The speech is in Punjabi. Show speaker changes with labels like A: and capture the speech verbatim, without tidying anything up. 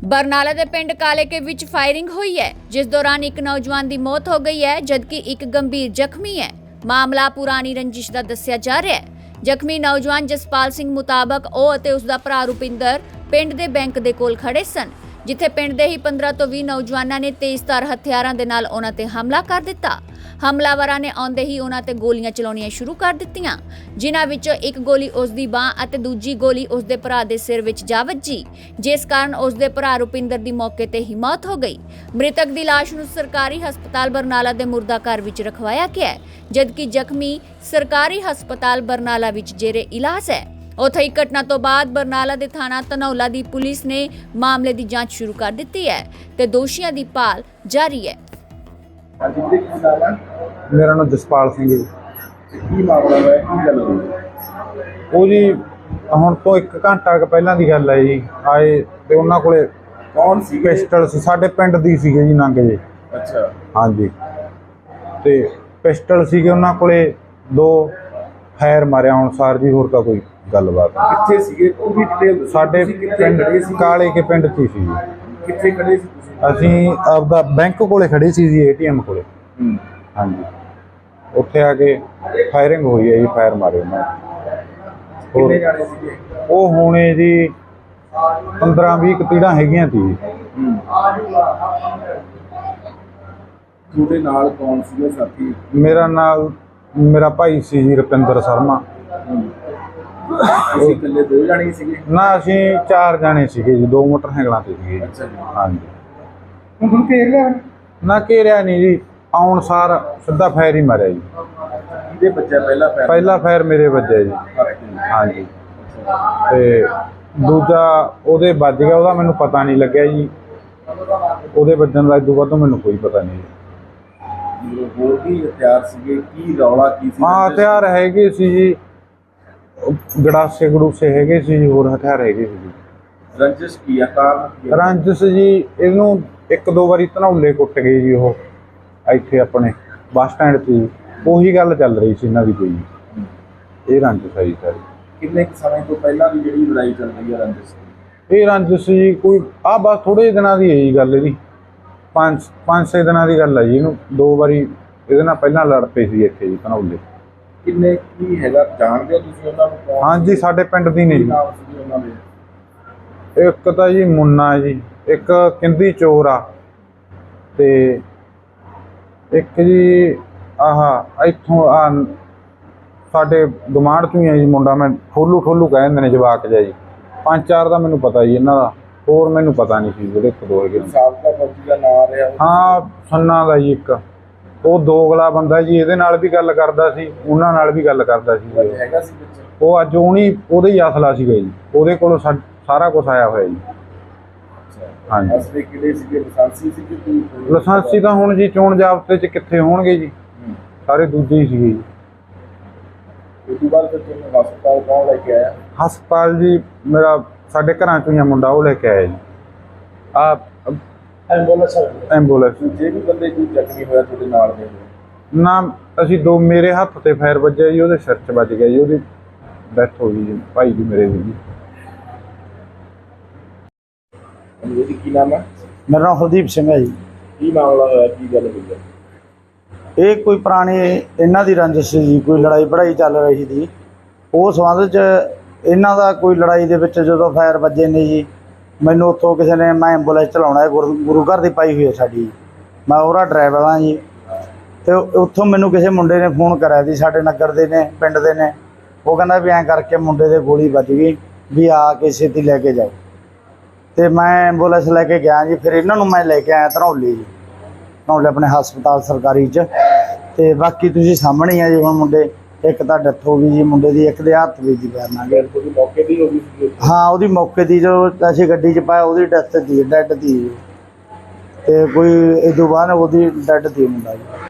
A: बरनाला के पिंड काले के विच फायरिंग हुई है, जिस दौरान एक नौजवान की मौत हो गई है, जबकि एक गंभीर जख्मी है। मामला पुरानी रंजिश का दस्सिया जा रहा है। जख्मी नौजवान जसपाल सिंह मुताबक ਉਹ ਅਤੇ ਉਸਦਾ ਭਰਾ ਰੁਪਿੰਦਰ ਪਿੰਡ ਦੇ ਬੈਂਕ ਦੇ ਕੋਲ ਖੜੇ ਸਨ, ਜਿੱਥੇ ਪਿੰਡ ਦੇ ਹੀ पंद्रह ਤੋਂ ਵੀਹ ਨੌਜਵਾਨਾਂ ਨੇ ਤੇਜ਼ਧਾਰ ਹਥਿਆਰਾਂ ਦੇ ਨਾਲ ਉਹਨਾਂ ਤੇ ਹਮਲਾ ਕਰ ਦਿੱਤਾ। हमलावरां ने आउंदे ही उन्हां ते गोलियां चलाउणियां शुरू कर दित्तियां, जिन्हां विचों एक गोली उसदी बांह अते दूजी गोली उसदे भरा दे सिर विच जा वज्जी, जिस कारण उसदे भरा रुपिंदर दी मौके ते ही मौत हो गई। मृतक दी लाश नूं सरकारी हस्पताल बरनाला दे मुर्दा घर विच रखवाया गया है, जबकि जख्मी सरकारी हस्पताल बरनाला विच जेरे इलाज है। उत्थे ही घटना तो बाद बरनाला दे थाना धनौला दी पुलिस ने मामले की जांच शुरू कर दी है ते दोषियों की भाल जारी है।
B: मेरा नाम जसपाल सिंह जी।
C: की मामला है की गल होई
B: ਉਹ ਜੀ ਹੁਣ ਤੋਂ ਇੱਕ ਘੰਟਾ ਕੁ ਪਹਿਲਾਂ ਦੀ ਗੱਲ ਹੈ ਜੀ। ਆਏ ਤੇ ਉਹਨਾਂ ਕੋਲੇ
C: कौन सी
B: ਪਿਸਟਲ ਸੀ, ਸਾਡੇ ਪਿੰਡ ਦੀ ਸੀਗੇ ਜੀ ਨੰਗ ਜੀ।
C: अच्छा
B: ਹਾਂਜੀ ਤੇ ਪਿਸਟਲ ਸੀਗੇ ਉਹਨਾਂ ਕੋਲੇ, ਦੋ ਫਾਇਰ ਮਾਰਿਆ ਹੁਣ ਸਾਰ ਜੀ। ਹੋਰ ਤਾਂ ਕੋਈ ਗੱਲਬਾਤ ਨਹੀਂ।
C: किथे सीगे ਉਹ ਵੀ डिटेल
B: ਸਾਡੇ ਪਿੰਡ ਕਾਲੇ ਕੇ ਪਿੰਡ 'ਚ ਹੀ ਸੀ ਜੀ।
C: किथे खड़े सी ਤੁਸੀਂ
B: ਅਸੀਂ ਆਪਦਾ ਬੈਂਕ ਕੋਲੇ ਖੜੇ ਸੀ ਜੀ, ਏਟੀਐਮ ਕੋਲੇ।
C: ਹੂੰ
B: ਹਾਂਜੀ ਉੱਥੇ ਆ ਕੇ ਫਾਇਰਿੰਗ ਹੋਈ ਹੈ ਜੀ, ਫਾਇਰ ਮਾਰੇ ਉਹਨਾਂ ਨੇ।
C: ਕਿੰਨੇ ਜਾਣੇ ਸੀਗੇ
B: ਉਹ ਹੋਣੇ ਜੀ पंद्रह बीस ਤੀੜਾਂ ਹੈਗੀਆਂ ਸੀ ਜੀ।
C: ਹੂੰ ਤੁਹਾਡੇ ਨਾਲ ਕੌਣ ਸੀਗੇ ਸਾਥੀ
B: ਮੇਰਾ ਨਾਲ ਮੇਰਾ ਭਾਈ ਸੀ ਜੀ ਰੁਪਿੰਦਰ ਸ਼ਰਮਾ।
C: ਅਸੀਂ ਇਕੱਲੇ ਦੋ ਜਾਣੇ ਸੀਗੇ
B: ਨਾ ਅਸੀਂ ਚਾਰ ਜਾਣੇ ਸੀਗੇ ਜੀ, ਦੋ ਮੋਟਰਸਾਈਕਲਾਂ ਤੇ ਸੀਗੇ ਜੀ।
C: ਅੱਛਾ ਜੀ
B: ਹਾਂਜੀ
C: ਹੁਣ ਘੇਰ ਲਿਆ
B: ਨਾ ਘੇਰਿਆ ਨਹੀਂ ਜੀ, ਆਉਣ ਸਾਰ ਸਿੱਧਾ ਫਾਇਰ ਹੀ ਮਾਰਿਆ ਜੀ।
C: ਇਹਦੇ ਬੱਚਾ ਪਹਿਲਾ ਪੈਰ
B: ਪਹਿਲਾ ਫਾਇਰ ਮੇਰੇ ਵੱਜਿਆ ਜੀ। ਹਾਂਜੀ ਤੇ ਦੂਜਾ ਉਹਦੇ ਵੱਜ ਗਿਆ, ਉਹਦਾ ਮੈਨੂੰ ਪਤਾ ਨਹੀਂ ਲੱਗਿਆ ਜੀ। ਉਹਦੇ ਵੱਜਣ ਦਾ ਇਦੋਂ ਵੱਧ ਮੈਨੂੰ ਕੋਈ ਪਤਾ ਨਹੀਂ।
C: ਹੋਰ ਕੀ ਹਥਿਆਰ ਸੀਗੇ, ਕੀ ਰੌਲਾ ਕੀ ਸੀ
B: ਹਾਂ ਹਥਿਆਰ ਹੈਗੇ ਸੀ ਜੀ, ਗੜਾਸੇ ਗੜੂਸੇ ਹੈਗੇ ਸੀ ਜੀ, ਹੋਰ ਹਥਿਆਰ ਹੈਗੇ ਸੀ ਜੀ।
C: ਰੰਜਿਸ਼ ਕੀ ਆ, ਕਾਰਨ ਕੀ ਆ?
B: ਰੰਜਿਸ਼ ਜੀ ਇਹਨੂੰ ਇੱਕ ਦੋ ਵਾਰੀ ਧਨੌਲੇ ਕੁੱਟ ਗਏ ਜੀ ਉਹ ਇੱਥੇ ਆਪਣੇ ਬੱਸ ਸਟੈਂਡ 'ਤੇ ਜੀ। ਉਹੀ ਗੱਲ ਚੱਲ ਰਹੀ ਸੀ ਇਹਨਾਂ ਦੀ ਕੋਈ। ਇਹ ਰੰਜਿਸ਼ ਹੈ ਜੀ ਸਾਰੀ।
C: ਕਿੰਨੇ ਕੁ ਸਮੇਂ ਤੋਂ ਪਹਿਲਾਂ ਦੀ ਜਿਹੜੀ ਲੜਾਈ ਚੱਲ ਰਹੀ ਹੈ ਰੰਜਿਸ਼ ਦੀ?
B: ਇਹ ਰੰਜਿਸ਼ ਜੀ ਕੋਈ ਆਹ ਬਸ ਥੋੜ੍ਹੇ ਦਿਨਾਂ ਦੀ ਹੈ ਜੀ ਗੱਲ ਇਹਦੀ। ਪੰਜ ਪੰਜ ਛੇ ਦਿਨਾਂ ਦੀ ਗੱਲ ਹੈ ਜੀ। ਇਹਨੂੰ ਦੋ ਵਾਰੀ ਇਹਦੇ ਨਾਲ ਪਹਿਲਾਂ ਲੜ ਪਏ ਸੀ ਇੱਥੇ ਜੀ ਧਨੌਲੇ।
C: ਕਿੰਨੇ ਕੀ ਹੈਗਾ, ਜਾਣਦੇ ਹੋ ਤੁਸੀਂ ਉਹਨਾਂ ਨੂੰ? ਕੌਣ
B: ਹਾਂਜੀ ਸਾਡੇ ਪਿੰਡ ਦੀ ਨੇ
C: ਕੀ
B: ਜੀ।
C: ਨਾਮ ਸੀ ਉਹਨਾਂ ਦੇ?
B: ਇੱਕ ਤਾਂ ਜੀ ਮੁੰਨਾ ਜੀ, ਇੱਕ ਕਿੰਦੀ ਚੋਰ ਆ, ਤੇ ਇੱਕ ਜੀ ਆਹ ਇੱਥੋਂ ਆ ਸਾਡੇ ਗੁਆਂਢ ਚੋਂ ਹੀ ਆ ਜੀ ਮੁੰਡਾ, ਮੈਂ ਠੋਲੂ ਠੋਲੂ ਕਹਿ ਦਿੰਦੇ ਨੇ ਜਵਾਕ ਜਿਹਾ ਜੀ। ਪੰਜ ਚਾਰ ਦਾ ਮੈਨੂੰ ਪਤਾ ਜੀ ਇਹਨਾਂ ਦਾ, ਹੋਰ ਮੈਨੂੰ ਪਤਾ ਨਹੀਂ ਸੀ ਜਿਹੜੇ ਇੱਕ ਦੋ ਹੈਗੇ।
C: ਸਾਬਕਾ ਫੌਜੀ ਦਾ ਨਾਮ ਰਿਹਾ ਉਹ?
B: ਹਾਂ ਸੰਨਾ ਦਾ ਜੀ ਇੱਕ, ਉਹ ਦੋਗਲਾ ਬੰਦਾ ਜੀ। ਇਹਦੇ ਨਾਲ ਵੀ ਗੱਲ ਕਰਦਾ ਸੀ, ਉਹਨਾਂ ਨਾਲ ਵੀ ਗੱਲ ਕਰਦਾ ਸੀ ਜੀ।
C: ਹੈਗਾ ਸੀ ਵਿੱਚ?
B: ਉਹ ਅੱਜ ਉਹਨੀ ਉਹਦੇ ਹੀ ਅਸਲਾ ਸੀਗਾ ਜੀ, ਉਹਦੇ ਕੋਲੋਂ ਸਾ- ਸਾਰਾ ਕੁਛ ਆਇਆ ਹੋਇਆ ਜੀ। ਹਾਂਜੀ
C: ਅਸਲੇ ਕਿਹੜੇ ਸੀਗੇ, ਲਾਇਸੈਂਸੀ ਸੀ ਕਿ ਕੋਈ?
B: ਲਾਇਸੈਂਸੀ ਤਾਂ ਹੁਣ ਜੀ ਚੋਣ ਜ਼ਾਬਤੇ 'ਚ ਕਿੱਥੇ ਹੋਣਗੇ ਜੀ, ਸਾਰੇ ਦੂਜੇ ਹੀ ਸੀਗੇ ਜੀ।
C: ਉਸ ਤੋਂ ਬਾਅਦ ਫਿਰ ਤੁਹਾਨੂੰ ਹਸਪਤਾਲ ਕੌਣ ਲੈ ਕੇ ਆਇਆ?
B: ਹਸਪਤਾਲ ਜੀ ਮੇਰਾ ਸਾਡੇ ਘਰਾਂ 'ਚੋਂ ਹੀ ਆ ਮੁੰਡਾ, ਉਹ ਲੈ ਕੇ ਆਇਆ ਜੀ। ਆ
C: ਐਂਬੂਲੈਂਸ?
B: ਐਂਬੂਲੈਂਸ
C: ਜੇ ਵੀ ਬੰਦੇ ਕੋਈ ਜ਼ਖਮੀ ਹੋਇਆ ਤੁਹਾਡੇ ਨਾਲ ਦੇ
B: ਨਾ, ਅਸੀਂ ਦੋ ਮੇਰੇ ਹੱਥ ਤੇ ਫਾਇਰ ਵੱਜਿਆ ਜੀ, ਉਹਦੇ ਸਿਰ 'ਚ ਵੱਜ ਗਿਆ ਜੀ, ਉਹਦੀ ਡੈਥ ਹੋ ਗਈ ਜੀ, ਭਾਈ ਜੀ ਮੇਰੇ ਦੀ ਜੀ।
C: ਉਹਦੀ ਕੀ ਨਾਮ ਹੈ?
D: मेरा नाम हरदीप सिंह है जी।
C: ਕੀ ਮਾਮਲਾ ਹੋਇਆ, ਕੀ ਗੱਲ ਹੋਈ ਹੈ?
D: ਇਹ ਕੋਈ ਪੁਰਾਣੀ ਇਹਨਾਂ ਦੀ ਰੰਜਿਸ਼ ਸੀ ਜੀ, ਕੋਈ ਲੜਾਈ ਪੜਾਈ ਚੱਲ ਰਹੀ ਸੀ। ਉਹ ਸੰਬੰਧ 'ਚ ਇਹਨਾਂ ਦਾ ਕੋਈ ਲੜਾਈ ਦੇ ਵਿੱਚ ਜਦੋਂ ਫਾਇਰ ਵੱਜੇ ਨੇ ਜੀ, ਮੈਨੂੰ ਉੱਥੋਂ ਕਿਸੇ ਨੇ, ਮੈਂ ਐਂਬੂਲੈਂਸ ਚਲਾਉਣਾ ਹੈ, ਗੁਰੂ ਗੁਰੂ ਘਰ ਦੀ ਪਾਈ ਹੋਈ ਹੈ ਸਾਡੀ, ਮੈਂ ਉਹਦਾ ਡਰਾਈਵਰ ਹਾਂ ਜੀ। ਅਤੇ ਉੱਥੋਂ ਮੈਨੂੰ ਕਿਸੇ ਮੁੰਡੇ ਨੇ ਫੋਨ ਕਰਿਆ ਸੀ, ਸਾਡੇ ਨਗਰ ਦੇ ਨੇ, ਪਿੰਡ ਦੇ ਨੇ। ਉਹ ਕਹਿੰਦਾ ਵੀ ਐਂ ਕਰਕੇ ਮੁੰਡੇ ਦੇ ਗੋਲੀ ਵੱਜ ਗਈ, ਵੀ ਆ ਕੇ ਛੇਤੀ ਲੈ ਕੇ ਜਾਓ। ਅਤੇ ਮੈਂ ਐਂਬੂਲੈਂਸ ਲੈ ਕੇ ਗਿਆ ਜੀ। ਫਿਰ ਇਹਨਾਂ ਨੂੰ ਮੈਂ ਲੈ ਕੇ ਆਇਆ ਧਨੌਲੇ ਜੀ, ਧਨੌਲੇ ਆਪਣੇ ਹਸਪਤਾਲ ਸਰਕਾਰੀ 'ਚ। ਅਤੇ ਬਾਕੀ ਤੁਸੀਂ ਸਾਹਮਣੇ ਹੀ ਆ ਜੀ। ਹੁਣ ਮੁੰਡੇ ਇੱਕ ਤਾਂ ਡੈਥ ਹੋ ਗਈ ਜੀ ਮੁੰਡੇ ਦੀ, ਇੱਕ ਦੇ ਹੱਥ ਵਿੱਚ ਦੀ ਪੈਰਨਾ ਗਿਆ।
C: ਉਹਦੀ ਮੌਕੇ ਦੀ ਹੋ ਗਈ ਸੀ?
D: ਹਾਂ ਉਹਦੀ ਮੌਕੇ ਦੀ, ਜੋ ਅਸੀਂ ਗੱਡੀ 'ਚ ਪਾਇਆ ਉਹਦੀ ਡੈਥ ਦੀ, ਡੈਡ ਦੀ। ਅਤੇ ਕੋਈ ਇਹ ਤੋਂ ਬਾਅਦ ਉਹਦੀ ਡੈਡ ਦੀ ਮੁੰਡਾ ਜੀ।